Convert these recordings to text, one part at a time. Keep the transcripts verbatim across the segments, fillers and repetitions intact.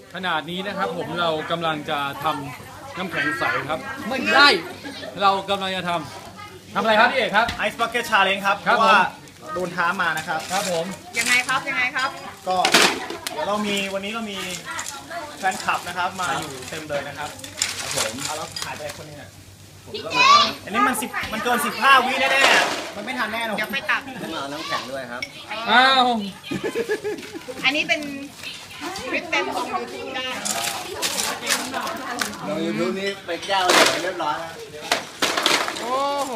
ขนาดนี้นะครับผมเรากำลังจะทำน้ำแข็งใสครับไม่ได้เรากำลังจะทำทำอะไรครับพี่เอกครับ Ice Bucket Challenge ครับเพครับราะว่าผมโดนท้ามานะครับครับผมยังไงครับยังไงครับก็เดี๋ยวเรามีวันนี้เรามีแฟนคลับนะครับมาอยู่เต็มเลยนะครับครับผมเอาแล้วถ่ายไปคนนึงอ่ะอันนี้มันสิบมันเกินสิบห้าวิแน่ๆมันไม่ทันแน่นอนเดี๋ยวไปตักต้องเอาน้ำแข็งด้วยครับอ้าวอันนี้เป็นคลิปเต็มของยูทูบได้เรายูทูบนี้ไปแก้วเลยเรียบร้อยแล้วโอ้โห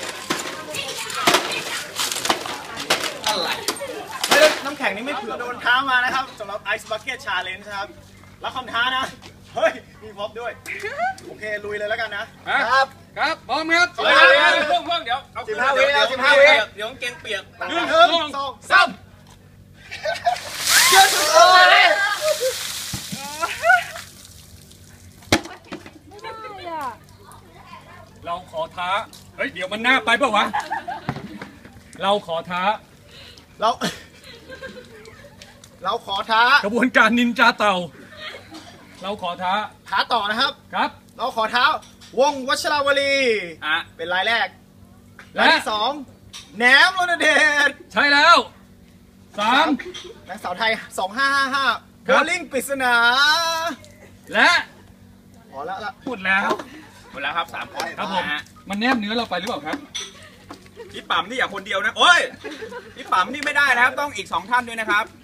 เฮ้ยน้ำแข็งนี่ไม่เผื่อโดนท้ามานะครับสำหรับ Ice Bucket Challenge นะครับแล้วคำท้านะเฮ้ยมีพร็อพด้วยโอเคลุยเลยแล้วกันนะครับครับพร้อมครับเดี๋ยวเดี๋ยวเพิ่งเพิ่งเดี๋ยวเอาสิบห้าวิแล้วสิบห้าวิเดี๋ยวเกงเปียกหนึ่งสองสามเชื่อสุดเลยเราขอท้าเฮ้ยเดี๋ยวมันหน้าไปเปล่าวะเราขอท้าเราเราขอท้ากระบวนการนินจาเต่า เราขอท้าท้าต่อนะครับครับเราขอท้าวงวัชราวลีอ่ะเป็นรายแรกและรายที่สองแหนมรณเดชใช่แล้วสามนางสาวไทยสองห้าห้าห้าคโบรับลิ่งปริศนาและพอแล้วละหมดแล้วหมดแล้วครับสามคนครับผมนะฮะมันแนบเนื้อเราไปหรือเปล่าครับพี่ปั๊มนี่อย่าคนเดียวนะโอ้ยพี่ปั๊มนี่ไม่ได้นะครับต้องอีกสองท่านด้วยนะครับ